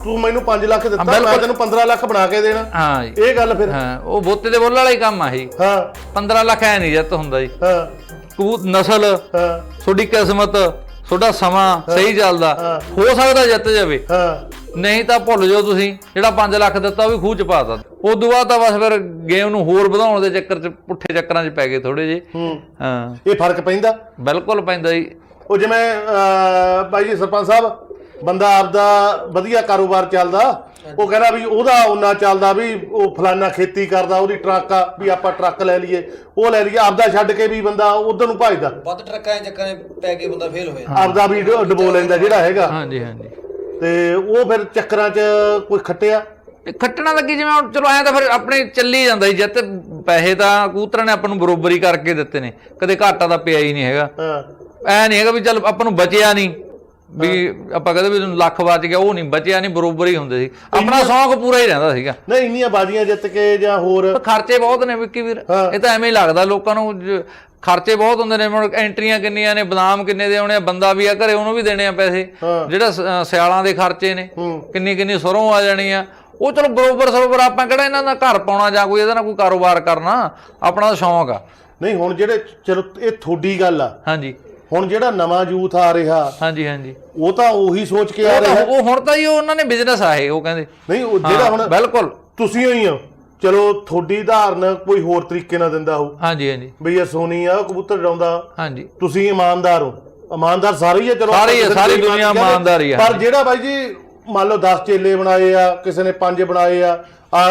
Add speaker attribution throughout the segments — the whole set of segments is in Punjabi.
Speaker 1: ਤੂੰ ਮੈਨੂੰ 5 ਲੱਖ ਦਿੱਤਾ ਮੈਂ ਤੈਨੂੰ 15 ਲੱਖ ਬਣਾ ਕੇ ਦੇਣਾ।
Speaker 2: ਹਾਂ ਜੀ
Speaker 1: ਇਹ ਗੱਲ ਫਿਰ
Speaker 2: ਹਾਂ ਉਹ ਬੋਤੇ ਦੇ ਬੁੱਲ ਵਾਲਾ ਹੀ ਕੰਮ ਆ ਇਹ।
Speaker 1: ਹਾਂ
Speaker 2: 15 ਲੱਖ ਐ ਨਹੀਂ ਜਿੱਤ ਹੁੰਦਾ ਜੀ।
Speaker 1: ਹਾਂ
Speaker 2: ਕਬੂਤ ਨਸਲ
Speaker 1: ਹਾਂ
Speaker 2: ਤੁਹਾਡੀ ਕਿਸਮਤ ਤੁਹਾਡਾ ਸਮਾਂ ਸਹੀ ਚੱਲਦਾ ਹੋ ਸਕਦਾ ਜਿੱਤ ਜਾਵੇ।
Speaker 1: ਹਾਂ
Speaker 2: ਨਹੀਂ ਤਾਂ ਭੁੱਲ ਜਾਓ ਤੁਸੀਂ ਜਿਹੜਾ 5 ਲੱਖ ਦਿੱਤਾ ਉਹ ਵੀ ਖੂਹ ਚ ਪਾਤਾ। ਉਦੋਂ ਬਾਅਦ ਤਾਂ ਬਸ ਫਿਰ ਗੇਮ ਨੂੰ ਹੋਰ ਵਧਾਉਣ ਦੇ ਚੱਕਰ ਚ ਪੁੱਠੇ ਚੱਕਰਾਂ ਚ ਪੈ ਗਏ ਥੋੜੇ ਜਿਹੇ। ਹਾਂ
Speaker 1: ਇਹ ਫਰਕ ਪੈਂਦਾ
Speaker 2: ਬਿਲਕੁਲ ਪੈਂਦਾ ਜੀ।
Speaker 1: ਉਹ ਜਿਵੇਂ ਬਾਈ ਜੀ ਸਰਪੰਚ ਸਾਹਿਬ ਬੰਦਾ ਆਪਦਾ ਵਧੀਆ ਕਾਰੋਬਾਰ ਚੱਲਦਾ ਉਹ ਕਹਿੰਦਾ ਵੀ ਉਹਦਾ ਉਹਨਾਂ ਚੱਲਦਾ ਵੀ ਉਹ ਫਲਾਨਾ ਖੇਤੀ ਕਰਦਾ ਉਹਦੀ ਟਰੱਕ ਆ ਵੀ ਆਪਾਂ ਟਰੱਕ ਲੈ ਲਈਏ ਉਹ ਲੈ ਲਈਏ ਆਪਦਾ ਛੱਡ ਕੇ ਵੀ ਬੰਦਾ ਉਧਰ ਨੂੰ ਭਜਦਾ
Speaker 3: ਵੱਧ ਟਰੱਕਾਂ ਦੇ ਚੱਕਰਾਂ ਪੈ ਕੇ ਬੰਦਾ ਫੇਲ ਹੋਇਆ
Speaker 1: ਆਪਦਾ ਵੀ ਡਬੋ ਲੈਂਦਾ ਜਿਹੜਾ ਹੈਗਾ।
Speaker 2: ਹਾਂਜੀ ਹਾਂਜੀ
Speaker 1: ਤੇ ਉਹ ਫਿਰ ਚੱਕਰਾਂ 'ਚ ਕੋਈ ਖੱਟਿਆ
Speaker 2: ਖੱਟਣਾ ਲੱਗੀ ਜਿਵੇਂ ਹੁਣ ਚਲੋ ਐਂ ਤਾਂ ਫਿਰ ਆਪਣੇ ਚੱਲੀ ਜਾਂਦਾ ਜੀ। ਜਿੱਤ ਪੈਸੇ ਤਾਂ ਕਬੂਤਰਾਂ ਨੇ ਆਪਾਂ ਨੂੰ ਬਰੋਬਰੀ ਕਰਕੇ ਦਿੱਤੇ ਨੇ ਕਦੇ ਘਾਟਾ ਤਾਂ ਪਿਆ ਹੀ ਨਹੀਂ ਹੈਗਾ। ਐ ਨਹੀਂ ਹੈਗਾ ਵੀ ਚੱਲ ਆਪਾਂ ਨੂੰ ਬਚਿਆ ਨਹੀਂ ਵੀ ਆਪਾਂ ਕਹਿੰਦੇ ਵੀ ਲੱਖ ਬਚ ਗਿਆ ਉਹ ਨਹੀਂ ਬਚਿਆ ਨਹੀਂ ਬਰੋਬਰ ਹੀ ਹੁੰਦੇ ਸੀ। ਆਪਣਾ ਸ਼ੌਂਕ ਪੂਰਾ ਹੀ ਰਹਿੰਦਾ ਸੀਗਾ।
Speaker 1: ਨਹੀਂ ਇੰਨੀਆਂ ਬਾਜ਼ੀਆਂ ਜਿੱਤ ਕੇ ਜਾਂ ਹੋਰ
Speaker 2: ਖਰਚੇ ਬਹੁਤ ਨੇ ਵਿੱਕੀ ਵੀਰ ਇਹ ਤਾਂ ਐਵੇਂ ਹੀ ਲੱਗਦਾ ਲੋਕਾਂ ਨੂੰ ਖਰਚੇ ਬਹੁਤ ਹੁੰਦੇ ਨੇ। ਹੁਣ ਐਂਟਰੀਆਂ ਕਿੰਨੀਆਂ ਨੇ ਬਦਾਮ ਕਿੰਨੇ ਦੇ ਆਉਣੇ ਆ ਬੰਦਾ ਵੀ ਆ ਘਰੇ ਉਹਨੂੰ ਵੀ ਦੇਣੇ ਆ ਪੈਸੇ ਜਿਹੜਾ ਸਿਆਲਾਂ ਦੇ ਖਰਚੇ ਨੇ ਕਿੰਨੀ ਕਿੰਨੀ ਸਰੋਂ ਆ ਜਾਣੀ ਆ ਉਹ ਚਲੋ ਬਰੋਬਰ ਆਪਾਂ ਕਿਹੜਾ ਇਹਨਾਂ ਦਾ ਘਰ ਪਾਉਣਾ ਜਾਂ ਕੋਈ ਇਹਦਾ ਨਾਲ ਕੋਈ ਕਾਰੋਬਾਰ ਕਰਨਾ ਆਪਣਾ ਸ਼ੌਂਕ ਆ।
Speaker 1: ਨਹੀਂ ਹੁਣ ਜਿਹੜੇ ਚਲੋ ਇਹ ਤੁਹਾਡੀ ਗੱਲ ਆ।
Speaker 2: ਹਾਂਜੀ
Speaker 1: ਹੁਣ ਜਿਹੜਾ ਨਵਾਂ ਯੂਥ ਆ ਰਿਹਾ
Speaker 2: ਹਾਂਜੀ ਹਾਂਜੀ
Speaker 1: ਉਹ ਤਾਂ ਉਹੀ ਸੋਚ ਕੇ ਆ ਰਿਹਾ
Speaker 2: ਉਹ ਹੁਣ ਤਾਂ ਜੀ ਉਹਨਾਂ ਨੇ ਬਿਜ਼ਨਸ ਆ ਇਹ ਉਹ ਕਹਿੰਦੇ
Speaker 1: ਨਹੀਂ ਉਹ ਜਿਹੜਾ ਹੁਣ
Speaker 2: ਬਿਲਕੁਲ
Speaker 1: ਤੁਸੀਂ ਹੀ ਹੋ ਚਲੋ ਤੁਹਾਡੀ ਧਾਰਨ ਕੋਈ ਹੋਰ ਤਰੀਕੇ ਨਾਲ ਦਿੰਦਾ ਹੋ।
Speaker 2: ਹਾਂਜੀ ਹਾਂਜੀ
Speaker 1: ਬਈ ਇਹ ਸੋਨੀ ਆ ਕਬੂਤਰ ਡਾਉਂਦਾ
Speaker 2: ਹਾਂਜੀ
Speaker 1: ਤੁਸੀਂ ਇਮਾਨਦਾਰ ਹੋ ਇਮਾਨਦਾਰ ਸਾਰੇ ਹੀ ਆ ਚਲੋ
Speaker 2: ਸਾਰੀ ਦੁਨੀਆ ਇਮਾਨਦਾਰ ਹੀ ਆ।
Speaker 1: ਪਰ ਜਿਹੜਾ ਬਾਈ ਜੀ ਮੰਨ ਲਓ 10 ਚੇਲੇ ਬਣਾਏ ਆ ਕਿਸੇ ਨੇ 5 ਬਣਾਏ ਆ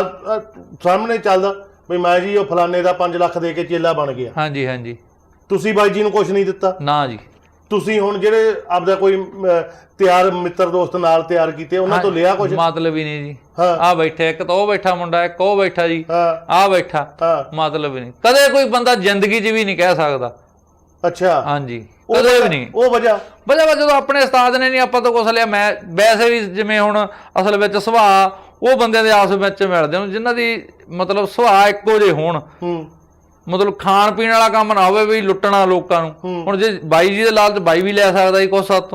Speaker 1: ਸਾਹਮਣੇ ਚੱਲਦਾ ਬਈ ਮੈਂ ਜੀ ਉਹ ਫਲਾਣੇ ਦਾ 5 ਲੱਖ ਦੇ ਕੇ ਚੇਲਾ ਬਣ ਗਿਆ।
Speaker 2: ਹਾਂਜੀ ਹਾਂਜੀ
Speaker 1: ਤੁਸੀਂ ਬਾਈ ਜੀ ਨੂੰ ਕੁਝ ਨਹੀਂ ਦਿੱਤਾ
Speaker 2: ਨਾ ਜੀ।
Speaker 1: ਤੁਸੀਂ ਹੁਣ ਜਿਹੜੇ ਆਪਦਾ ਕੋਈ ਤਿਆਰ ਮਿੱਤਰ ਦੋਸਤ ਨਾਲ ਤਿਆਰ ਕੀਤੇ ਉਹਨਾਂ ਤੋਂ ਲਿਆ ਕੁਝ
Speaker 2: ਮਤਲਬ ਹੀ ਨਹੀਂ ਜੀ।
Speaker 1: ਹਾਂ
Speaker 2: ਆ ਬੈਠੇ ਇੱਕ ਤਾਂ ਉਹ ਬੈਠਾ ਮੁੰਡਾ ਇੱਕ ਉਹ ਬੈਠਾ ਜੀ ਆ ਬੈਠਾ ਮਤਲਬ ਹੀ ਨਹੀਂ। ਕਦੇ ਕੋਈ ਬੰਦਾ ਜ਼ਿੰਦਗੀ 'ਚ ਵੀ ਨਹੀਂ ਕਹਿ ਸਕਦਾ।
Speaker 1: ਅੱਛਾ
Speaker 2: ਹਾਂਜੀ ਕਦੇ ਵੀ ਨਹੀਂ।
Speaker 1: ਉਹ ਵਜ੍ਹਾ
Speaker 2: ਜਦੋਂ ਆਪਣੇ ਉਸਤਾਦ ਨੇ ਨਹੀਂ ਆਪਾਂ ਤੋਂ ਕੁਛ ਲਿਆ। ਮੈਂ ਵੈਸੇ ਵੀ ਜਿਵੇਂ ਹੁਣ ਅਸਲ ਵਿੱਚ ਸੁਭਾਅ ਉਹ ਬੰਦਿਆਂ ਦੇ ਆਪਸ ਵਿੱਚ ਮਿਲਦੇ ਨੇ ਜਿਨ੍ਹਾਂ ਦੀ ਮਤਲਬ ਸੁਭਾਅ ਇੱਕੋ ਜਿਹੇ ਹੋਣ ਮਤਲਬ ਖਾਣ ਪੀਣ ਵਾਲਾ ਕੰਮ ਨਾ ਹੋਵੇ ਵੀ ਲੁੱਟਣਾ ਲੋਕਾਂ ਨੂੰ। ਹੁਣ ਜੇ ਬਾਈ ਜੀ ਦੇ ਲਾਲਚ ਬਾਈ ਵੀ ਲੈ ਸਕਦਾ ਜੀ ਕੁਛ ਸਾਥੋਂ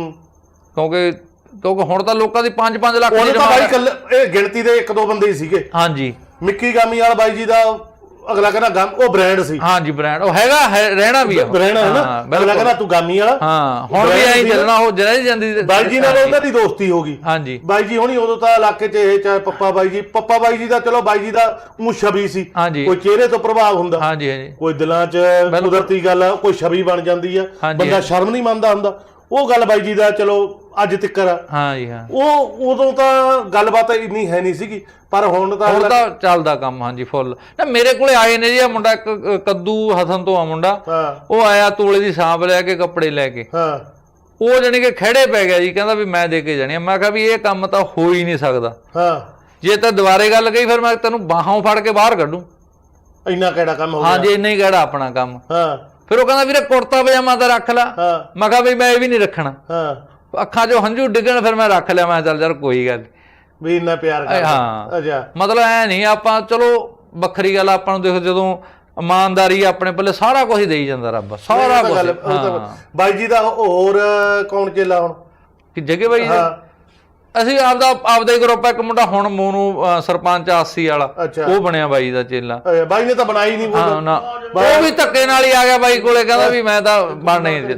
Speaker 2: ਕਿਉਂਕਿ ਹੁਣ ਤਾਂ ਲੋਕਾਂ ਦੀ 5-5 ਲੱਖ
Speaker 1: ਇਹ ਗਿਣਤੀ ਦੇ 1-2 ਬੰਦੇ ਹੀ ਸੀਗੇ।
Speaker 2: ਹਾਂਜੀ
Speaker 1: ਮਿੱਕੀ ਗਾਮੀ ਵਾਲਾ ਬਾਈ ਜੀ ਦਾ ਅਗਲਾ ਕਹਿੰਦਾ ਉਹ ਬ੍ਰਾਂਡ ਸੀ।
Speaker 2: ਹਾਂਜੀ ਬ੍ਰਾਂਡ ਉਹ ਹੈਗਾ ਰਹਿਣਾ ਵੀ
Speaker 1: ਰਹਿਣਾ ਹੈ ਨਾ ਅਗਲਾ ਕਹਿੰਦਾ ਤੂੰ ਗਾਮੀ ਵਾਲਾ।
Speaker 2: ਹਾਂ ਹੁਣ ਵੀ ਐਂ ਚੱਲਣਾ ਉਹ ਜਿਹੜੀ ਜਾਂਦੀ
Speaker 1: ਬਾਈ ਜੀ ਨਾਲ ਉਹਨਾਂ ਦੀ ਦੋਸਤੀ ਹੋ ਗਈ।
Speaker 2: ਹਾਂਜੀ ਬਾਈ
Speaker 1: ਜੀ ਹੁਣੀ ਉਦੋਂ ਤਾਂ ਇਲਾਕੇ 'ਚ ਇਹ ਚਾਹੇ ਪੱਪਾ ਬਾਈ ਜੀ ਦਾ ਚਲੋ ਬਾਈ ਜੀ ਦਾ ਉਹ ਛਵੀ ਸੀ ਕੋਈ ਚਿਹਰੇ ਤੋਂ ਪ੍ਰਭਾਵ ਹੁੰਦਾ
Speaker 2: ਹਾਂਜੀ ਹਾਂਜੀ ਕੋਈ
Speaker 1: ਦਿਲਾਂ 'ਚ ਕੁਦਰਤੀ ਗੱਲ ਆ ਕੋਈ ਛਵੀ ਬਣ ਜਾਂਦੀ ਆ ਬੰਦਾ ਸ਼ਰਮ ਨਹੀਂ ਮੰਨਦਾ ਹੁੰਦਾ। ਉਹ ਗੱਲ ਬਾਈ ਜੀ ਦਾ ਚਲੋ ਅੱਜ ਤੱਕ ਆ।
Speaker 2: ਹਾਂਜੀ ਹਾਂ
Speaker 1: ਉਹ ਉਦੋਂ ਤਾਂ ਗੱਲਬਾਤ ਇੰਨੀ ਹੈ ਨਹੀਂ ਸੀਗੀ ਪਰ ਹੁਣ ਤਾਂ
Speaker 2: ਚੱਲਦਾ ਕੰਮ। ਹਾਂਜੀ ਫੁੱਲ ਨਾ ਮੇਰੇ ਕੋਲੇ ਆਏ ਨੇ ਜੀ ਆ ਮੁੰਡਾ ਇੱਕ ਕੱਦੂ ਹਸਨ ਤੋਂ ਆ ਮੁੰਡਾ ਉਹ ਆਇਆ ਤੋਲੇ ਦੀ ਸਾਂਭ ਲੈ ਕੇ ਕੱਪੜੇ ਲੈ ਕੇ ਉਹ ਜਾਣੀ ਕਿ ਖੜੇ ਪੈ ਗਿਆ ਜੀ ਕਹਿੰਦਾ ਵੀ ਮੈਂ ਦੇ ਕੇ ਜਾਣੀ। ਮੈਂ ਕਿਹਾ ਵੀ ਇਹ ਕੰਮ ਤਾਂ ਹੋ ਹੀ ਨਹੀਂ ਸਕਦਾ। ਜੇ ਤਾਂ ਦੁਬਾਰੇ ਗੱਲ ਗਈ ਫਿਰ ਮੈਂ ਤੈਨੂੰ ਬਾਹਾਂ ਫੜ ਕੇ ਬਾਹਰ ਕੱਢੂ।
Speaker 1: ਇੰਨਾ ਕਿਹੜਾ ਕੰਮ ਹੋ ਗਿਆ।
Speaker 2: ਹਾਂਜੀ ਇੰਨਾ ਹੀ ਕਿਹੜਾ ਆਪਣਾ ਕੰਮ। ਫਿਰ ਉਹ ਕਹਿੰਦਾ ਵੀਰੇ ਕੁੜਤਾ ਪਜਾਮਾ ਤਾਂ ਰੱਖ ਲਾ। ਮੈਂ ਕਿਹਾ ਵੀ ਮੈਂ ਇਹ ਵੀ ਨਹੀਂ ਰੱਖਣਾ। ਅੱਖਾਂ 'ਚੋਂ ਹੰਝੂ ਡਿੱਗਣ ਫਿਰ ਮੈਂ ਰੱਖ ਲਿਆ। ਮੈਂ ਚੱਲ ਯਾਰ ਕੋਈ ਗੱਲ
Speaker 1: ਵੀ ਇੰਨਾ ਪਿਆਰ ਕਰਦਾ।
Speaker 2: ਹਾਂ ਮਤਲਬ ਐ ਨਹੀਂ ਆਪਾਂ ਚਲੋ ਵੱਖਰੀ ਗੱਲ ਆਪਾਂ ਨੂੰ ਦੇਖੋ ਜਦੋਂ ਇਮਾਨਦਾਰੀ ਆਪਣੇ ਪੱਲੇ ਸਾਰਾ ਕੁਝ ਦੇਈ ਜਾਂਦਾ ਰੱਬ ਸਾਰਾ ਕੁਝ।
Speaker 1: ਬਾਈ ਜੀ ਦਾ ਹੋਰ ਕੌਣ ਚੇਲਾ ਹੁਣ
Speaker 2: ਕਿ ਜਗੇ ਬਾਈ ਅਸੀਂ ਆਪਦਾ ਹੀ ਗਰੁੱਪ ਇੱਕ ਮੁੰਡਾ ਹੁਣ ਮੋਨੂ ਸਰਪੰਚ 80 ਵਾਲਾ ਉਹ ਬਣਿਆ ਬਾਈ ਦਾ ਚੇਲਾ।
Speaker 1: ਬਾਈ ਨੇ ਤਾਂ ਬਣਾਈ ਨਹੀਂ
Speaker 2: ਉਹ ਵੀ ਧੱਕੇ ਨਾਲ ਹੀ ਆ ਗਿਆ ਬਾਈ ਕੋਲੇ ਕਹਿੰਦਾ ਵੀ ਮੈਂ ਤਾਂ ਬਣਨਾ ਹੀ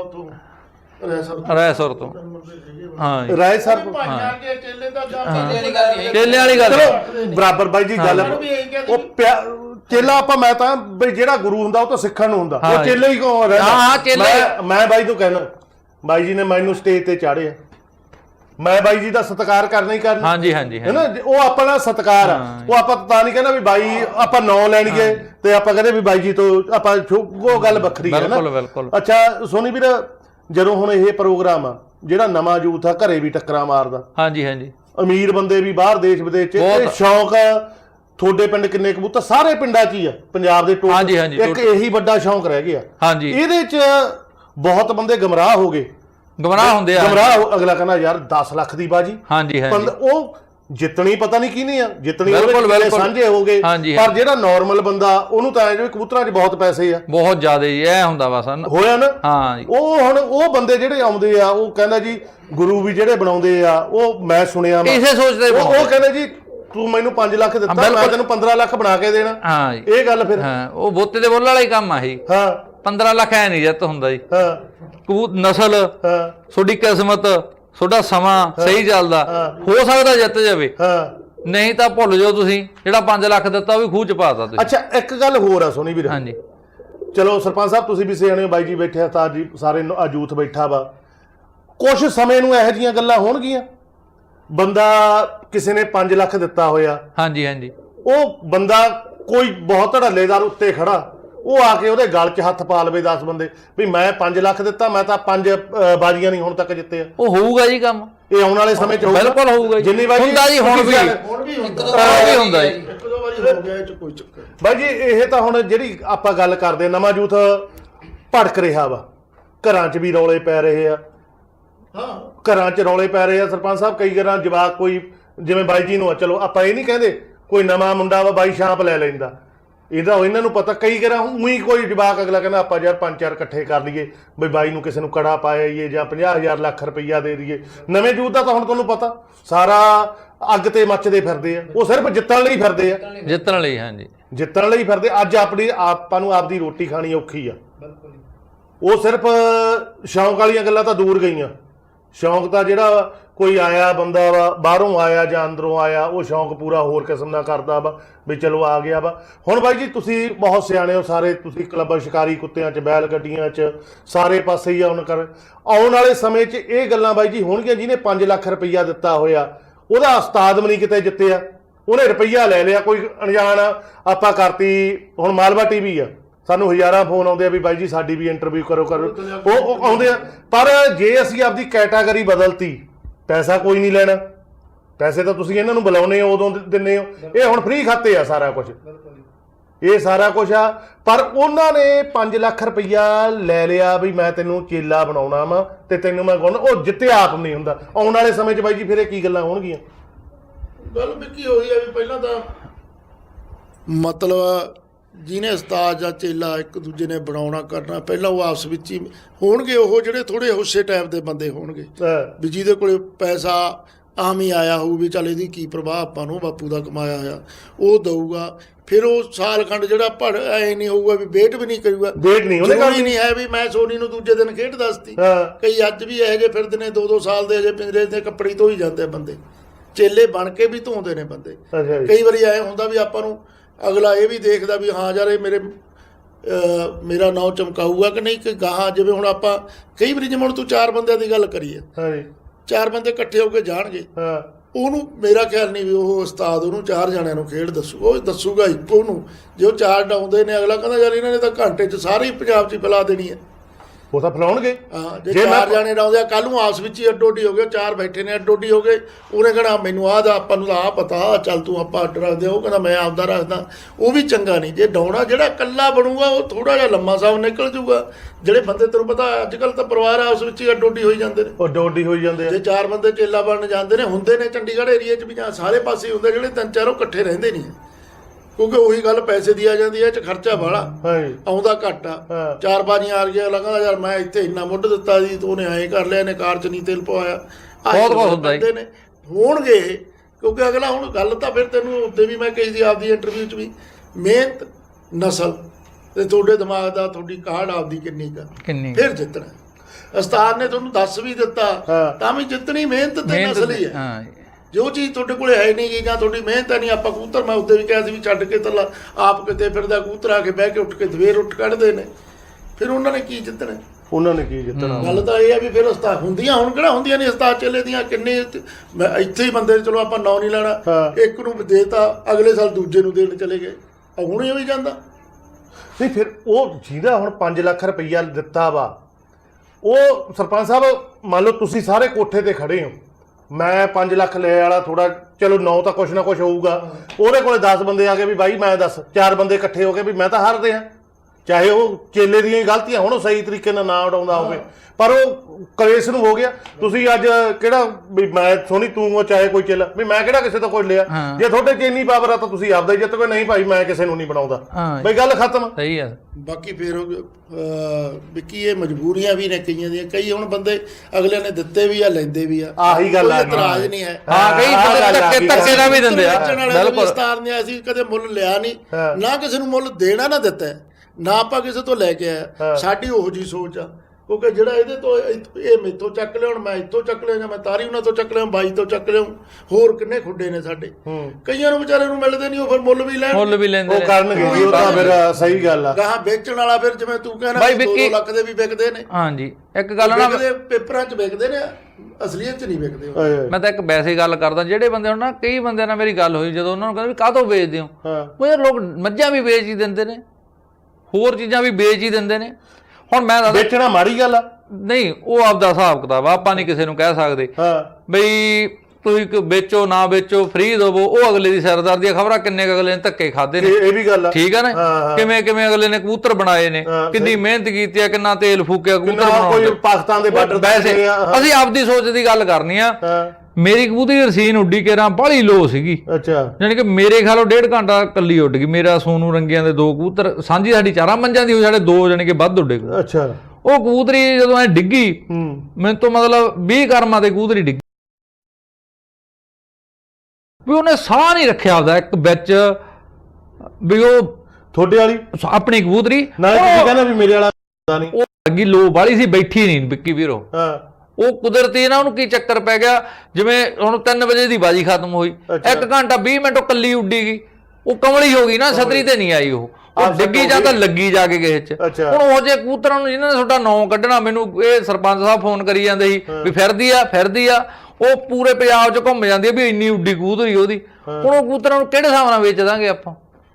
Speaker 2: ਰਾਏਸਰ ਤੋਂ। ਹਾਂ ਰਾਏਸਰ ਚੇਲੇ ਵਾਲੀ ਗੱਲ
Speaker 1: ਬਰਾਬਰ ਬਾਈ ਜੀ ਗੱਲ ਉਹ ਚੇਲਾ ਆਪਾਂ ਮੈਂ ਤਾਂ ਬਈ ਜਿਹੜਾ ਗੁਰੂ ਹੁੰਦਾ ਉਹ ਤਾਂ ਸਿੱਖਣ ਨੂੰ ਹੁੰਦਾ ਉਹ ਚੇਲੇ ਹੀ ਕੌਣ ਰਹਿੰਦਾ। ਮੈਂ ਬਾਈ ਤੋਂ ਕਹਿਣਾ ਬਾਈ ਜੀ ਨੇ ਮੈਨੂੰ ਸਟੇਜ ਤੇ ਚਾੜਿਆ ਮੈਂ ਬਾਈ ਜੀ ਦਾ ਸਤਿਕਾਰ ਕਰਨਾ ਹੀ ਕਰਨਾ।
Speaker 2: ਹਾਂਜੀ ਹਾਂਜੀ
Speaker 1: ਹੈ ਨਾ ਉਹ ਆਪਣਾ ਸਤਿਕਾਰ ਆ। ਉਹ ਆਪਾਂ ਤਾਂ ਨਹੀਂ ਕਹਿੰਦਾ ਵੀ ਬਾਈ ਆਪਾਂ ਨਾਂ ਲੈਣਗੇ ਤੇ ਆਪਾਂ ਕਹਿੰਦੇ ਵੀ ਬਾਈ ਜੀ ਤੋਂ ਆਪਾਂ ਉਹ ਗੱਲ ਵੱਖਰੀ ਹੈ ਨਾ। ਅੱਛਾ ਸੋਨੀ ਵੀਰ ਜਦੋਂ ਹੁਣ ਇਹ ਪ੍ਰੋਗਰਾਮ ਆ ਜਿਹੜਾ ਨਵਾਂ ਯੂਥ ਆ ਘਰੇ ਵੀ ਟੱਕਰਾਂ ਮਾਰਦਾ। ਹਾਂਜੀ ਹਾਂਜੀ ਅਮੀਰ ਬੰਦੇ ਵੀ ਬਾਹਰ ਦੇਸ਼ ਵਿਦੇਸ਼ 'ਚ ਇਹ ਸ਼ੌਂਕ ਤੁਹਾਡੇ ਪਿੰਡ ਕਿੰਨੇ ਕਬੂਤਰ ਸਾਰੇ ਪਿੰਡਾਂ 'ਚ ਹੀ ਆ ਪੰਜਾਬ ਦੇ ਟੋਟਲ ਇੱਕ ਇਹੀ ਵੱਡਾ ਸ਼ੌਂਕ ਰਹਿ ਗਿਆ। ਇਹਦੇ 'ਚ ਬਹੁਤ ਬੰਦੇ ਗਮਰਾਹ ਹੋ ਗਏ। ਗਮਰਾਹ ਹੁੰਦੇ ਆ। ਗਮਰਾਹ ਅਗਲਾ ਕਹਿੰਦਾ ਯਾਰ 10 ਲੱਖ ਦੀ ਬਾਜੀ। ਹਾਂਜੀ ਹਾਂਜੀ ਉਹ ਜਿੱਤਣੀ ਪਤਾ ਨਹੀਂ ਕਿਹਨੇ ਆ, ਜਿੱਤਣੀ
Speaker 2: ਬਿਲਕੁਲ,
Speaker 1: ਉਹਦੇ
Speaker 2: ਬਿਲਕੁਲ।
Speaker 1: ਸਾਂਝੇ ਹੋ ਗਏ।
Speaker 2: ਹਾਂਜੀ,
Speaker 1: ਪਰ ਜਿਹੜਾ ਨਾਰਮਲ ਬੰਦਾ ਉਹਨੂੰ ਤਾਂ ਐ ਜਿਵੇਂ ਕਬੂਤਰਾਂ 'ਚ ਬਹੁਤ ਪੈਸੇ ਆ,
Speaker 2: ਬਹੁਤ ਜ਼ਿਆਦਾ ਜੀ ਐ ਹੁੰਦਾ ਵਾ ਸਾਨੂੰ
Speaker 1: ਹੋਇਆ ਨਾ।
Speaker 2: ਹਾਂ ਜੀ।
Speaker 1: ਉਹ ਹੁਣ ਉਹ ਬੰਦੇ ਜਿਹੜੇ ਆਉਂਦੇ ਆ ਉਹ ਕਹਿੰਦਾ ਜੀ ਗੁਰੂ ਵੀ ਜਿਹੜੇ ਬਣਾਉਂਦੇ ਆ, ਉਹ ਮੈਂ ਸੁਣਿਆ ਵਾ,
Speaker 2: ਇਸੇ ਸੋਚਦੇ
Speaker 1: ਉਹ ਕਹਿੰਦੇ ਜੀ ਤੂੰ ਮੈਨੂੰ 5 ਲੱਖ ਦਿੱਤਾ, ਮੈਂ ਤੈਨੂੰ 15 ਲੱਖ ਬਣਾ ਕੇ ਦੇਣਾ।
Speaker 2: ਹਾਂ ਜੀ,
Speaker 1: ਇਹ ਗੱਲ ਫਿਰ
Speaker 2: ਹਾਂ ਉਹ ਬੋਤੇ ਦੇ ਬੁੱਲ ਵਾਲਾ ਹੀ ਕੰਮ ਆ ਇਹ।
Speaker 1: ਹਾਂ
Speaker 2: 15 ਲੱਖ ਐ ਨਹੀਂ ਜਿੱਤ ਹੁੰਦਾ ਜੀ।
Speaker 1: ਹਾਂ
Speaker 2: ਨਸਲ,
Speaker 1: ਹਾਂ
Speaker 2: ਤੁਹਾਡੀ ਕਿਸਮਤ, ਤੁਹਾਡਾ ਸਮਾਂ ਸਹੀ ਚੱਲਦਾ, ਹੋ ਸਕਦਾ ਜਿੱਤ ਜਾਵੇ,
Speaker 1: ਹਾਂ।
Speaker 2: ਨਹੀਂ ਤਾਂ ਭੁੱਲ ਜਾਓ ਤੁਸੀਂ ਜਿਹੜਾ 5 ਲੱਖ ਦਿੱਤਾ ਉਹ ਵੀ ਖੂਹ ਚ ਪਾਤਾ ਤੁਸੀਂ।
Speaker 1: ਅੱਛਾ ਇੱਕ ਗੱਲ ਹੋਰ ਆ ਸੋਨੀ ਵੀਰ,
Speaker 2: ਹਾਂਜੀ
Speaker 1: ਚਲੋ ਸਰਪੰਚ ਸਾਹਿਬ ਤੁਸੀਂ ਵੀ ਸਿਆਣੇ ਹੋ, ਬਾਈ ਜੀ ਬੈਠੇ ਆ, ਤਾਂ ਜੀ ਸਾਰੇ ਯੂਥ ਬੈਠਾ ਵਾ, ਕੁਛ ਸਮੇਂ ਨੂੰ ਇਹੋ ਜਿਹੀਆਂ ਗੱਲਾਂ ਹੋਣਗੀਆਂ, ਬੰਦਾ ਕਿਸੇ ਨੇ 5 ਲੱਖ ਦਿੱਤਾ ਹੋਇਆ,
Speaker 2: ਹਾਂਜੀ ਹਾਂਜੀ,
Speaker 1: ਉਹ ਬੰਦਾ ਕੋਈ ਬਹੁਤ ਧੜੱਲੇਦਾਰ ਉੱਤੇ ਖੜਾ, ਉਹ ਆ ਕੇ ਉਹਦੇ ਗਲ 'ਚ ਹੱਥ ਪਾ ਲਵੇ 10 ਬੰਦੇ ਵੀ ਮੈਂ 5 ਲੱਖ ਦਿੱਤਾ, ਮੈਂ ਤਾਂ 5 ਬਾਜ਼ੀਆਂ ਨਹੀਂ ਹੁਣ ਤੱਕ ਜਿੱਤੇ ਆ।
Speaker 2: ਉਹ ਹੋਊਗਾ ਜੀ ਕੰਮ,
Speaker 1: ਇਹ ਆਉਣ ਵਾਲੇ ਸਮੇਂ 'ਚ ਹੋਊਗਾ,
Speaker 2: ਬਿਲਕੁਲ ਹੋਊਗਾ ਜੀ।
Speaker 1: ਜਿੰਨੀ ਵਾਰੀ
Speaker 2: ਹੁੰਦਾ ਜੀ, ਹੁਣ ਵੀ ਹੁੰਦਾ ਜੀ।
Speaker 4: ਇੱਕ ਦੋ ਵਾਰੀ ਹੋ ਗਿਆ, ਇਹ ਚ ਕੋਈ ਚੱਕਰ ਨਹੀਂ।
Speaker 1: ਬਾਈ ਜੀ ਇਹ ਤਾਂ ਹੁਣ ਜਿਹੜੀ ਆਪਾਂ ਗੱਲ ਕਰਦੇ, ਨਵਾਂ ਯੂਥ ਭੜਕ ਰਿਹਾ ਵਾ, ਘਰਾਂ 'ਚ ਵੀ ਰੌਲੇ ਪੈ ਰਹੇ ਆ,
Speaker 4: ਹਾਂ
Speaker 1: ਘਰਾਂ 'ਚ ਰੌਲੇ ਪੈ ਰਹੇ ਆ ਸਰਪੰਚ ਸਾਹਿਬ। ਕਈ ਵਾਰਾਂ ਜਵਾਕ ਕੋਈ ਜਿਵੇਂ ਬਾਈ ਜੀ ਨੂੰ ਆ, ਚਲੋ ਆਪਾਂ ਇਹ ਨਹੀਂ ਕਹਿੰਦੇ ਕੋਈ ਨਵਾਂ ਮੁੰਡਾ ਵਾ ਬਾਈ ਛਾਂਪ ਲੈ ਲੈਂਦਾ, ਇਹਦਾ ਇਹਨਾਂ ਨੂੰ ਪਤਾ। ਕਈ ਵਾਰਾਂ ਉਹੀ ਕੋਈ ਜਵਾਕ ਅਗਲਾ ਕਹਿੰਦਾ ਆਪਾਂ ਯਾਰ 5-4 ਇਕੱਠੇ ਕਰ ਲਈਏ ਬਈ ਬਾਈ ਨੂੰ ਕਿਸੇ ਨੂੰ ਕੜਾ ਪਾਈਏ ਜਾਂ 50,000 ਲੱਖ ਰੁਪਈਆ ਦੇ ਦਈਏ। ਨਵੇਂ ਯੂਥ ਦਾ ਤਾਂ ਹੁਣ ਤੁਹਾਨੂੰ ਪਤਾ ਸਾਰਾ ਅੱਗ ਤੇ ਮੱਚਦੇ ਫਿਰਦੇ ਆ, ਉਹ ਸਿਰਫ ਜਿੱਤਣ ਲਈ ਫਿਰਦੇ ਆ,
Speaker 2: ਜਿੱਤਣ ਲਈ। ਹਾਂਜੀ
Speaker 1: ਜਿੱਤਣ ਲਈ ਫਿਰਦੇ। ਅੱਜ ਆਪਾਂ ਨੂੰ ਆਪਦੀ ਰੋਟੀ ਖਾਣੀ ਔਖੀ ਆ, ਉਹ ਸਿਰਫ ਸ਼ੌਂਕ ਵਾਲੀਆਂ ਗੱਲਾਂ ਤਾਂ ਦੂਰ ਗਈਆਂ। ਸ਼ੌਂਕ ਤਾਂ ਜਿਹੜਾ ਕੋਈ ਆਇਆ ਬੰਦਾ ਵਾ ਬਾਹਰੋਂ ਆਇਆ ਜਾਂ ਅੰਦਰੋਂ ਆਇਆ, ਉਹ ਸ਼ੌਂਕ ਪੂਰਾ ਹੋਰ ਕਿਸਮ ਦਾ ਕਰਦਾ ਵਾ ਵੀ ਚਲੋ ਆ ਗਿਆ ਵਾ। ਹੁਣ ਬਾਈ ਜੀ ਤੁਸੀਂ ਬਹੁਤ ਸਿਆਣੇ ਹੋ ਸਾਰੇ, ਤੁਸੀਂ ਕਲੱਬਾਂ ਸ਼ਿਕਾਰੀ ਕੁੱਤਿਆਂ 'ਚ, ਬੈਲ ਗੱਡੀਆਂ 'ਚ, ਸਾਰੇ ਪਾਸੇ ਹੀ ਆਉਣ ਵਾਲੇ ਸਮੇਂ 'ਚ ਇਹ ਗੱਲਾਂ ਬਾਈ ਜੀ ਹੋਣਗੀਆਂ। ਜਿਹਨੇ 5 ਲੱਖ ਰੁਪਈਆ ਦਿੱਤਾ ਹੋਇਆ, ਉਹਦਾ ਉਸਤਾਦ ਵੀ ਨਹੀਂ ਕਿਤੇ ਜਿੱਤਿਆ, ਉਹਨੇ ਰੁਪਈਆ ਲੈ ਲਿਆ ਕੋਈ ਅਣਜਾਣ। ਆਪਾਂ ਕਰਤੀ ਹੁਣ ਮਾਲਵਾ ਟੀਵੀ ਆ, ਸਾਨੂੰ ਹਜ਼ਾਰਾਂ ਫੋਨ ਆਉਂਦੇ ਆ ਵੀ ਬਾਈ ਜੀ ਸਾਡੀ ਵੀ ਇੰਟਰਵਿਊ ਕਰੋ, ਉਹ ਆਉਂਦੇ ਆ। ਪਰ ਜੇ ਅਸੀਂ ਆਪਦੀ ਕੈਟਾਗਰੀ ਬਦਲਤੀ, ਪੈਸਾ ਕੋਈ ਨਹੀਂ ਲੈਣਾ, ਪੈਸੇ ਤਾਂ ਤੁਸੀਂ ਇਹਨਾਂ ਨੂੰ ਬੁਲਾਉਨੇ ਹੋ ਉਦੋਂ ਦਿੰਦੇ ਹੋ, ਇਹ ਹੁਣ ਫ੍ਰੀ ਖਾਤੇ ਆ ਸਾਰਾ ਕੁਝ, ਇਹ ਸਾਰਾ ਕੁਝ ਆ। ਪਰ ਉਹਨਾਂ ਨੇ 5 ਲੱਖ ਰੁਪਈਆ ਲੈ ਲਿਆ ਵੀ ਮੈਂ ਤੈਨੂੰ ਚੇਲਾ ਬਣਾਉਣਾ ਵਾ ਤੇ ਤੈਨੂੰ ਮੈਂ ਗੁਣ, ਉਹ ਜਿੱਤਿਆ ਆਪ ਨਹੀਂ ਹੁੰਦਾ। ਆਉਣ ਵਾਲੇ ਸਮੇਂ 'ਚ ਬਾਈ ਜੀ ਫਿਰ ਇਹ ਕੀ ਗੱਲਾਂ ਹੋਣਗੀਆਂ?
Speaker 4: ਗੱਲ ਵੀ ਕੀ ਹੋਈ ਆ ਵੀ ਪਹਿਲਾਂ ਤਾਂ ਮਤਲਬ ਜਿਹਨੇ ਉਸਤਾਦ ਜਾਂ ਚੇਲਾ ਇੱਕ ਦੂਜੇ ਨੇ ਬਣਾਉਣਾ ਕਰਨਾ, ਪਹਿਲਾਂ ਉਹ ਆਪਸ ਵਿੱਚ ਹੀ ਹੋਣਗੇ, ਉਹ ਜਿਹੜੇ ਥੋੜੇ ਹੋਸ਼ੇ ਟਾਈਪ ਦੇ ਬੰਦੇ ਹੋਣਗੇ ਵੀ ਜਿਹਦੇ ਕੋਲੇ ਪੈਸਾ ਆਮ ਹੀ ਆਇਆ ਹੋਊ ਵੀ ਚੱਲ ਇਹਦੀ ਕੀ ਪ੍ਰਵਾਹ, ਆਪਾਂ ਨੂੰ ਬਾਪੂ ਦਾ ਕਮਾਇਆ ਹੋਇਆ ਉਹ ਦਊਗਾ। ਫਿਰ ਉਹ ਸਾਲ ਖੰਡ ਜਿਹੜਾ ਭੜ ਐ ਨਹੀਂ ਹੋਊਗਾ ਵੀ ਵੇਟ ਵੀ ਨਹੀਂ ਕਰੂਗਾ,
Speaker 1: ਵੇਟ ਨਹੀਂ ਉਹਨੇ
Speaker 4: ਜ਼ਰੂਰੀ ਨਹੀਂ ਹੈ ਵੀ ਮੈਂ ਸੋਨੀ ਨੂੰ ਦੂਜੇ ਦਿਨ ਖੇਡ ਦੱਸਤੀ। ਕਈ ਅੱਜ ਵੀ ਇਹੋ ਜਿਹੇ ਫਿਰਦੇ ਨੇ 2-2 ਸਾਲ ਦੇ, ਅਜੇ ਪਿੰਜਰੇ ਦੇ ਕੱਪੜੇ ਧੋਈ ਜਾਂਦੇ ਬੰਦੇ, ਚੇਲੇ ਬਣ ਕੇ ਵੀ ਧੋਂਦੇ ਨੇ ਬੰਦੇ। ਕਈ ਵਾਰੀ ਐ ਹੁੰਦਾ ਵੀ ਆਪਾਂ ਨੂੰ ਅਗਲਾ ਇਹ ਵੀ ਦੇਖਦਾ ਵੀ ਹਾਂ ਯਾਰ ਇਹ ਮੇਰਾ ਨਾਂ ਚਮਕਾਊਗਾ ਕਿ ਨਹੀਂ, ਕਿ ਗਾਹਾਂ ਜਿਵੇਂ ਹੁਣ ਆਪਾਂ ਕਈ ਵਾਰੀ ਜਿਵੇਂ ਹੁਣ ਤੂੰ 4 ਬੰਦਿਆਂ ਦੀ ਗੱਲ ਕਰੀਏ, 4 ਬੰਦੇ ਇਕੱਠੇ ਹੋ ਕੇ ਜਾਣਗੇ, ਉਹਨੂੰ ਮੇਰਾ ਖਿਆਲ ਨਹੀਂ ਵੀ ਉਹ ਉਸਤਾਦ ਉਹਨੂੰ 4 ਜਣਿਆਂ ਨੂੰ ਖੇਡ ਦੱਸੂਗਾ, ਉਹ ਦੱਸੂਗਾ ਇੱਕੋ ਨੂੰ। ਜੇ ਉਹ 4 ਡਾਉਂਦੇ ਨੇ, ਅਗਲਾ ਕਹਿੰਦਾ ਯਾਰ ਇਹਨਾਂ ਨੇ ਤਾਂ ਘੰਟੇ 'ਚ ਸਾਰੇ ਹੀ ਪੰਜਾਬ 'ਚ ਹੀ ਫੈਲਾ ਦੇਣੀ ਹੈ,
Speaker 1: ਉਹ ਤਾਂ ਫਲਾਉਣਗੇ।
Speaker 4: ਹਾਂ ਜੇ 4 ਜਾਣੇ ਡਾਉਂਦੇ ਆ, ਕੱਲ ਨੂੰ ਆਪਸ ਵਿੱਚ ਹੀ ਅੱਡੋ ਅੱਡੀ ਹੋ ਗਏ, 4 ਬੈਠੇ ਨੇ ਅੱਡੋ ਅੱਡੀ ਹੋ ਗਏ, ਉਹਨੇ ਕਹਿਣਾ ਮੈਨੂੰ ਆਹ ਦਾ ਆਪਾਂ ਨੂੰ ਤਾਂ ਆਹ ਪਤਾ, ਚੱਲ ਤੂੰ ਆਪਾਂ ਅੱਡ ਰੱਖਦੇ, ਉਹ ਕਹਿੰਦਾ ਮੈਂ ਆਪਦਾ ਰੱਖਦਾ, ਉਹ ਵੀ ਚੰਗਾ ਨਹੀਂ। ਜੇ ਡਾਉਣਾ ਜਿਹੜਾ ਇਕੱਲਾ ਬਣੂਗਾ ਉਹ ਥੋੜਾ ਜਿਹਾ ਲੰਮਾ ਸਾਹ ਨਿਕਲ ਜੂਗਾ। ਜਿਹੜੇ ਬੰਦੇ ਤੈਨੂੰ ਪਤਾ ਅੱਜ ਕੱਲ੍ਹ ਤਾਂ ਪਰਿਵਾਰ ਆਪਸ ਵਿੱਚ ਹੀ ਅੱਡੋ ਅੱਡੀ ਹੋਈ ਜਾਂਦੇ ਨੇ,
Speaker 1: ਅੱਡੋ ਅੱਡੀ ਹੋਈ ਜਾਂਦੇ ਆ।
Speaker 4: ਜੇ 4 ਬੰਦੇ ਚੇਲਾ ਬਣਨ ਜਾਂਦੇ ਨੇ, ਹੁੰਦੇ ਨੇ ਚੰਡੀਗੜ੍ਹ ਏਰੀਏ 'ਚ ਵੀ ਜਾਂ ਸਾਰੇ ਪਾਸੇ ਹੁੰਦੇ, ਜਿਹੜੇ 3-4 ਇਕੱਠੇ ਰਹਿੰਦੇ ਨਹੀਂ, ਕਿਉਂਕਿ ਉਹੀ ਗੱਲ ਪੈਸੇ ਦੀ ਆ ਜਾਂਦੀ ਹੈ, ਇਹ 'ਚ ਖਰਚਾ ਵਾਲਾ ਆਉਂਦਾ ਘੱਟ ਆ। 4 ਬਾਜ਼ੀਆਂ ਆ ਗਈਆਂ, ਲੱਗਦਾ ਯਾਰ ਮੈਂ ਇੱਥੇ ਇੰਨਾ ਮੁੱਢ ਦਿੱਤਾ ਜੀ, ਤੂੰ ਉਹਨੇ ਐਂ ਕਰ ਲਿਆ, ਇਹਨੇ ਕਾਰ 'ਚ ਨਹੀਂ ਤੇਲ ਪਵਾਇਆ,
Speaker 2: ਬਹੁਤ ਕੁਝ ਹੁੰਦਾ
Speaker 4: ਨੇ ਹੋਣਗੇ। ਕਿਉਂਕਿ ਅਗਲਾ ਹੁਣ ਗੱਲ ਤਾਂ ਫਿਰ ਤੈਨੂੰ ਉੱਤੇ ਵੀ ਮੈਂ ਕਹੀ ਸੀ ਆਪਦੀ ਇੰਟਰਵਿਊ 'ਚ ਵੀ, ਮਿਹਨਤ, ਨਸਲ ਤੇ ਤੁਹਾਡੇ ਦਿਮਾਗ ਦਾ, ਤੁਹਾਡੀ ਕਾਢ ਆਪਦੀ ਕਿੰਨੀ ਫਿਰ ਜਿੱਤਣਾ। ਉਸਤਾਦ ਨੇ ਤੁਹਾਨੂੰ ਦੱਸ ਵੀ ਦਿੱਤਾ ਤਾਂ ਵੀ ਜਿੱਤਣੀ ਮਿਹਨਤ ਤੇ ਨਸਲ ਹੀ ਹੈ। ਜੋ ਚੀਜ਼ ਤੁਹਾਡੇ ਕੋਲੇ ਹੈ ਨਹੀਂ ਗੀ ਜਾਂ ਤੁਹਾਡੀ ਮਿਹਨਤ ਹੈ ਨਹੀਂ, ਆਪਾਂ ਕਬੂਤਰ, ਮੈਂ ਉੱਤੇ ਵੀ ਕਿਹਾ ਸੀ ਵੀ ਛੱਡ ਕੇ ਤਾਂ ਆਪ ਕਿਤੇ ਫਿਰਦਾ ਕਬੂਤਰ ਆ ਕੇ ਬਹਿ ਕੇ ਉੱਠ ਕੇ ਸਵੇਰ ਉੱਠ ਕੱਢਦੇ ਨੇ, ਫਿਰ ਉਹਨਾਂ ਨੇ ਕੀ ਜਿੱਤਣਾ?
Speaker 1: ਉਹਨਾਂ ਨੇ ਕੀ ਜਿੱਤਣਾ? ਗੱਲ
Speaker 4: ਤਾਂ ਇਹ ਆ ਵੀ ਫਿਰ ਉਸਤਾਦ ਹੁੰਦੀਆਂ, ਹੁਣ ਕਿਹੜਾ ਹੁੰਦੀਆਂ ਨਹੀਂ ਉਸਤਾਦ ਚੇਲੇ ਦੀਆਂ, ਕਿੰਨੇ ਇੱਥੇ ਹੀ ਬੰਦੇ, ਚਲੋ ਆਪਾਂ ਨਾਂ ਨਹੀਂ ਲੈਣਾ, ਇੱਕ ਨੂੰ ਦੇਤਾ ਅਗਲੇ ਸਾਲ ਦੂਜੇ ਨੂੰ ਦੇਣ ਚਲੇ ਗਏ, ਹੁਣ ਇਹ ਵੀ ਜਾਂਦਾ
Speaker 1: ਨਹੀਂ। ਫਿਰ ਉਹ ਜਿਹਦਾ ਹੁਣ 5 ਲੱਖ ਰੁਪਈਆ ਦਿੱਤਾ ਵਾ, ਉਹ ਸਰਪੰਚ ਸਾਹਿਬ ਮੰਨ ਲਓ ਤੁਸੀਂ ਸਾਰੇ ਕੋਠੇ ਤੇ ਖੜੇ ਹੋ, ਮੈਂ 5 ਲੱਖ ਲੈ ਵਾਲਾ ਥੋੜਾ, ਚਲੋ 9 ਤਾਂ ਕੁਛ ਨਾ ਕੁਛ ਹੋਊਗਾ, ਉਹਦੇ ਕੋਲੇ 10 ਬੰਦੇ ਆ ਗਏ ਵੀ ਬਾਈ ਮੈਂ ਦੱਸ, 4 ਬੰਦੇ ਇਕੱਠੇ ਹੋ ਗਏ ਵੀ ਮੈਂ ਤਾਂ ਹਾਰਦੇ ਆ, ਚਾਹੇ ਉਹ ਚੇਲੇ ਦੀਆਂ ਹੀ ਗਲਤੀਆਂ ਹੋਣ, ਉਹ ਸਹੀ ਤਰੀਕੇ ਨਾਲ ਨਾ ਉਡਾਉਂਦਾ ਹੋਵੇ, ਪਰ ਉਹ ਕਲੇਸ਼ ਨੂੰ ਹੋ ਗਿਆ। ਤੁਸੀਂ ਅੱਜ ਕਿਹੜਾ ਵੀ ਮੈਂ ਸੋਨੀ ਤੂੰ ਚਾਹੇ ਕੋਈ ਚੇਲਾ ਵੀ ਮੈਂ ਕਿਹੜਾ ਕਿਸੇ ਤੋਂ ਕੋਈ ਲਿਆ, ਜੇ ਤੁਹਾਡੇ ਚ ਇੰਨੀ ਪਾਵਰ ਆ ਤਾਂ ਤੁਸੀਂ ਆਪਦਾ ਹੀ ਜਿੱਤੋਗੇ, ਨਹੀਂ ਭਾਈ ਮੈਂ ਕਿਸੇ ਨੂੰ ਨਹੀਂ ਬਣਾਉਂਦਾ, ਬਈ ਗੱਲ ਖਤਮ।
Speaker 2: ਸਹੀ ਆ।
Speaker 4: ਬਾਕੀ ਫਿਰ ਵਿੱਕੀ ਇਹ ਮਜਬੂਰੀਆਂ ਵੀ ਨੇ ਕਈਆਂ ਦੀਆਂ, ਕਈ ਹੁਣ ਬੰਦੇ ਅਗਲੇ ਨੇ ਦਿੱਤੇ ਵੀ ਆ ਲੈਂਦੇ ਵੀ ਆ,
Speaker 1: ਆਹੀ ਗੱਲ ਆ,
Speaker 4: ਇਤਰਾਜ਼ ਨਹੀਂ ਹੈ।
Speaker 2: ਹਾਂ ਕਈ ਧੱਕੇ ਦਾ ਵੀ ਦਿੰਦੇ ਆ,
Speaker 4: ਬਿਲਕੁਲ ਵਿਸਤਾਰ ਨੇ ਅਸੀਂ ਕਦੇ ਮੁੱਲ ਲਿਆ ਨਹੀਂ, ਨਾ ਕਿਸੇ ਨੂੰ ਮੁੱਲ ਦੇਣਾ ਨਾ ਦਿੱਤਾ, ਨਾ ਆਪਾਂ ਕਿਸੇ ਤੋਂ ਲੈ ਕੇ ਆਇਆ, ਸਾਡੀ ਉਹੋ ਜੀ ਸੋਚ ਆ। ਕਿਉਂਕਿ ਜਿਹੜਾ ਇਹਦੇ ਤੋਂ ਇਹ ਮੇਥੋਂ ਚੱਕ ਲਿਆ, ਹੁਣ ਮੈਂ ਇੱਥੋਂ ਚੱਕ ਲਿਆ, ਜਾਂ ਮੈਂ ਤਾਰੀ ਉਹਨਾਂ ਤੋਂ ਚੱਕ ਲਿਆ, ਬਾਈ ਤੋਂ ਚੱਕ ਲਿਆ, ਹੋਰ ਕਿੰਨੇ ਖੁੱਡੇ ਨੇ ਸਾਡੇ। ਕਈਆਂ ਨੂੰ ਵਿਚਾਰੇ ਨੂੰ ਮਿਲਦੇ ਨਹੀਂ, ਉਹ ਫਿਰ ਮੁੱਲ ਵੀ ਲੈਂਦੇ,
Speaker 1: ਉਹ ਕਰਨਗੇ, ਉਹ ਤਾਂ ਫਿਰ ਸਹੀ ਗੱਲ ਆ।
Speaker 4: ਗਾਹਾਂ ਵੇਚਣ ਵਾਲਾ ਫਿਰ ਜਿਵੇਂ ਤੂੰ ਕਹਿੰਦਾ 2 ਲੱਖ ਦੇ ਵੀ ਵਿਕਦੇ ਨੇ।
Speaker 2: ਹਾਂਜੀ ਇੱਕ ਗੱਲ ਨਾ,
Speaker 4: ਪੇਪਰਾਂ 'ਚ ਵਿਕਦੇ ਨੇ, ਅਸਲੀਅਤ 'ਚ ਨਹੀਂ ਵਿਕਦੇ।
Speaker 2: ਮੈਂ ਤਾਂ ਇੱਕ ਵੈਸੇ ਗੱਲ ਕਰਦਾ, ਜਿਹੜੇ ਬੰਦੇ ਹੁਣ ਨਾ, ਕਈ ਬੰਦਿਆਂ ਨਾਲ ਮੇਰੀ ਗੱਲ ਹੋਈ, ਜਦੋਂ ਉਹਨਾਂ ਨੂੰ ਕਹਿੰਦਾ ਵੀ ਕਾਹਤੋਂ ਵੇਚਦੇ ਹੋ, ਉਹ ਯਾਰ ਲੋਕ ਮੱਝਾਂ ਵੀ ਵੇਚ ਹੀ ਦਿੰਦੇ ਨੇ, ਹੋਰ ਚੀਜ਼ਾਂ ਵੀ ਵੇਚ ਹੀ ਦਿੰਦੇ ਨੇ। ਹੁਣ ਮੈਂ
Speaker 1: ਵੇਚਣਾ ਮਾੜੀ ਗੱਲ ਆ
Speaker 2: ਨਹੀਂ, ਉਹ ਆਪਦਾ ਹਿਸਾਬ ਕਿਤਾਬ ਆ, ਆਪਾਂ ਨਹੀਂ ਕਿਸੇ ਨੂੰ ਕਹਿ ਸਕਦੇ ਬਈ ਤੁਸੀਂ ਵੇਚੋ ਨਾ ਵੇਚੋ, ਫ੍ਰੀ ਦੇਵੋ, ਉਹ ਅਗਲੇ ਦੀ ਸਰਦਾਰ ਦੀਆਂ ਖਬਰਾਂ, ਕਿੰਨੇ ਅਗਲੇ ਨੇ ਧੱਕੇ ਖਾਦੇ ਨੇ,
Speaker 1: ਇਹ ਵੀ ਗੱਲ ਆ,
Speaker 2: ਠੀਕ ਆ ਨਾ, ਕਿਵੇਂ ਅਗਲੇ ਨੇ ਕਬੂਤਰ ਬਣਾਏ ਨੇ, ਕਿੰਨੀ ਮਿਹਨਤ ਕੀਤੀ ਆ, ਕਿੰਨਾ ਤੇਲ ਫੂਕਿਆ ਕਬੂਤਰ ਬਣਾਉਣ।
Speaker 1: ਪਾਕਿਸਤਾਨ ਦੇ ਬਾਰਡਰ
Speaker 2: ਵੈਸੇ ਅਸੀਂ ਆਪਦੀ ਸੋਚ ਦੀ ਗੱਲ ਕਰਨੀ ਆ। ਮੇਰੀ ਕਬੂਤਰੀ ਰਸੀਨ ਉੱਡੀ ਕੇ ਰਾਂ ਬਾਹਲੀ ਲੋ ਸੀਗੀ,
Speaker 1: ਅੱਛਾ,
Speaker 2: ਯਾਨੀ ਕਿ ਮੇਰੇ ਖਿਆਲੋਂ 1.5 ਘੰਟਾ ਕੱਲੀ ਉੱਡ ਗਈ। ਮੇਰਾ ਸੋਨੂ ਰੰਗੀਆਂ ਦੇ 2 ਕਬੂਤਰ, ਸਾਂਝੀ ਸਾਡੀ 4 ਮੰਜਾਂ ਦੀ ਹੋਈ, ਸਾਡੇ 2 ਯਾਨੀ ਕਿ ਵੱਧ ਉੱਡੇ।
Speaker 1: ਅੱਛਾ,
Speaker 2: ਉਹ ਕਬੂਤਰੀ ਜਦੋਂ ਐ ਡਿੱਗੀ, ਮੈਨੂੰ ਤੋਂ ਮਤਲਬ 20 ਕਰਮਾਂ ਤੇ ਕਬੂਤਰੀ ਡਿੱਗੀ, ਵੀ ਉਹਨੇ ਸਾਹ ਨਹੀਂ ਰੱਖਿਆ ਆਪਦਾ ਇੱਕ ਵਿੱਚ, ਵੀ ਉਹ
Speaker 1: ਤੁਹਾਡੇ ਵਾਲੀ
Speaker 2: ਆਪਣੀ ਕਬੂਤਰੀ
Speaker 1: ਨਾ ਤੁਸੀਂ ਕਹਿੰਦਾ ਵੀ ਮੇਰੇ ਵਾਲਾ ਨਹੀਂ,
Speaker 2: ਉਹ ਅੱਗੀ ਲੋ ਬਾਲੀ ਸੀ, ਬੈਠੀ ਨਹੀਂ ਵਿੱਕੀ ਵੀਰੋ। ਉਹ ਕੁਦਰਤੀ ਨਾ, ਉਹਨੂੰ ਕੀ ਚੱਕਰ ਪੈ ਗਿਆ, ਜਿਵੇਂ ਹੁਣ 3 ਵਜੇ ਦੀ ਬਾਜੀ ਖਤਮ ਹੋਈ, 1 ਘੰਟਾ 20 ਮਿੰਟ ਉਹ ਕੱਲੀ ਉੱਡੀ ਗਈ, ਉਹ ਕਮਲੀ ਹੋ ਗਈ ਨਾ, ਛਤਰੀ ਤੇ ਨਹੀਂ ਆਈ, ਉਹ ਡਿੱਗੀ ਜਾਂ ਤਾਂ ਲੱਗੀ ਜਾ ਕੇ ਕਿਸੇ ਚ। ਹੁਣ ਉਹ ਜੇ ਕਬੂਤਰਾਂ ਨੂੰ ਜਿਨ੍ਹਾਂ ਨੇ ਤੁਹਾਡਾ ਨਾਂ ਕੱਢਣਾ, ਮੈਨੂੰ ਇਹ ਸਰਪੰਚ ਸਾਹਿਬ ਫੋਨ ਕਰੀ ਜਾਂਦੇ ਸੀ ਵੀ ਫਿਰਦੀ ਆ, ਉਹ ਪੂਰੇ ਪੰਜਾਬ ਚ ਘੁੰਮ ਜਾਂਦੀ ਆ ਵੀ ਇੰਨੀ ਉੱਡੀ ਕਬੂਤਰੀ ਉਹਦੀ। ਹੁਣ ਉਹ ਕਬੂਤਰਾਂ ਨੂੰ ਕਿਹੜੇ ਹਿਸਾਬ ਨਾਲ ਵੇਚ ਦਾਂਗੇ ਆਪਾਂ?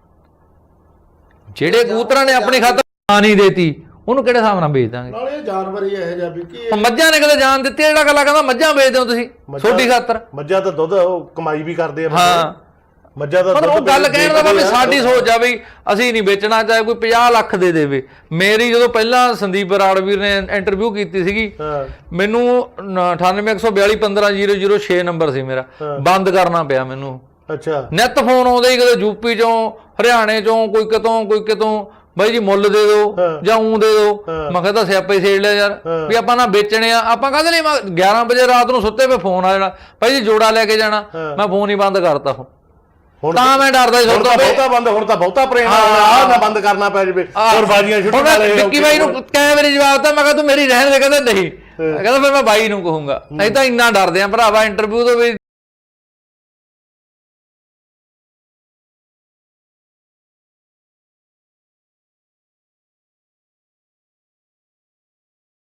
Speaker 2: ਜਿਹੜੇ ਕਬੂਤਰਾਂ ਨੇ ਆਪਣੀ ਖਾਤਰ ਜਾਨ ਹੀ ਦੇਤੀ, ਉਹਨੂੰ ਕਿਹੜੇ ਹਿਸਾਬ ਨਾਲ ਵੇਚ ਦਾਂਗੇ?
Speaker 4: ਨਾਲੇ ਇਹ ਜਾਨਵਰ ਹੀ ਇਹੋ ਜਿਹਾ ਵੀ ਕੀ,
Speaker 2: ਮੱਝਾਂ ਨੇ ਕਦੇ ਜਾਨ ਦਿੱਤੀ? ਜਿਹੜਾ ਗੱਲਾਂ ਕਹਿੰਦਾ ਮੱਝਾਂ ਵੇਚਦੇ ਹੋ ਤੁਸੀਂ ਛੋਟੀ ਖਾਤਰ,
Speaker 1: ਮੱਝਾਂ ਤਾਂ ਦੁੱਧ ਉਹ ਕਮਾਈ ਵੀ ਕਰਦੇ ਆ।
Speaker 2: ਹਾਂ,
Speaker 1: ਮੱਝਾਂ ਦਾ
Speaker 2: ਉਹ ਗੱਲ ਕਹਿਣ ਦਾ ਵੀ ਸਾਡੀ ਸੋਚ ਆ ਵੀ ਅਸੀਂ ਨਹੀਂ ਵੇਚਣਾ, ਚਾਹੇ ਕੋਈ 50 ਲੱਖ ਦੇ ਦੇਵੇ। ਮੇਰੀ ਜਦੋਂ ਪਹਿਲਾਂ ਸੰਦੀਪ ਬਰਾੜਵੀਰ ਨੇ ਇੰਟਰਵਿਊ ਕੀਤੀ ਸੀਗੀ, ਮੈਨੂੰ 9814 15006 ਨੰਬਰ ਸੀ ਮੇਰਾ, ਬੰਦ ਕਰਨਾ ਪਿਆ ਮੈਨੂੰ।
Speaker 1: ਅੱਛਾ,
Speaker 2: ਨਿੱਤ ਫੋਨ ਆਉਂਦੇ ਹੀ, ਕਦੇ ਯੂਪੀ ਚੋਂ, ਹਰਿਆਣੇ ਚੋਂ, ਕੋਈ ਕਿਤੋਂ ਬਾਈ ਜੀ ਮੁੱਲ ਦੇ ਦਿਓ ਜਾਂ ਊਂ ਦੇ ਦਿਓ। ਮੈਂ ਕਿਹਾ ਤਾਂ ਸਿਆਪਾ ਹੀ ਛੇੜ ਲਿਆ ਯਾਰ, ਵੀ ਆਪਾਂ ਨਾ ਵੇਚਣੇ ਆ, ਆਪਾਂ ਕਾਹਦੇ ਲਈ? 11 ਵਜੇ ਰਾਤ ਨੂੰ ਸੁੱਤੇ ਪਏ ਫੋਨ ਆ ਜਾਣਾ, ਭਾਈ ਜੀ ਜੋੜਾ ਲੈ ਕੇ ਜਾਣਾ, ਮੈਂ ਫੋਨ ਹੀ ਬੰਦ ਕਰਤਾ। ਹੁਣ ਤਾਂ ਮੈਂ ਡਰਦਾ ਸੀ,
Speaker 1: ਹੁਣ ਤਾਂ ਬਹੁਤਾ ਪ੍ਰੇਮ ਆ ਨਾ ਬੰਦ ਕਰਨਾ ਪੈ ਜਵੇ, ਹੋਰ ਬਾਜੀਆਂ ਛੁੱਟਣ ਵਾਲੇ।
Speaker 2: ਵਿੱਕੀ ਬਾਈ ਨੂੰ ਕੈਮਰੇ ਜਵਾਬ ਤਾਂ ਮੈਂ ਕਿਹਾ ਤੂੰ ਮੇਰੀ ਰਹਿਣ ਦੇ, ਕਹਿੰਦਾ ਨਹੀਂ, ਕਹਿੰਦਾ ਫਿਰ ਮੈਂ ਬਾਈ ਨੂੰ ਕਹੂੰਗਾ। ਅਸੀਂ ਤਾਂ ਇੰਨਾ ਡਰਦੇ ਆ ਭਰਾਵਾ ਇੰਟਰਵਿਊ ਤੋਂ ਵੀ।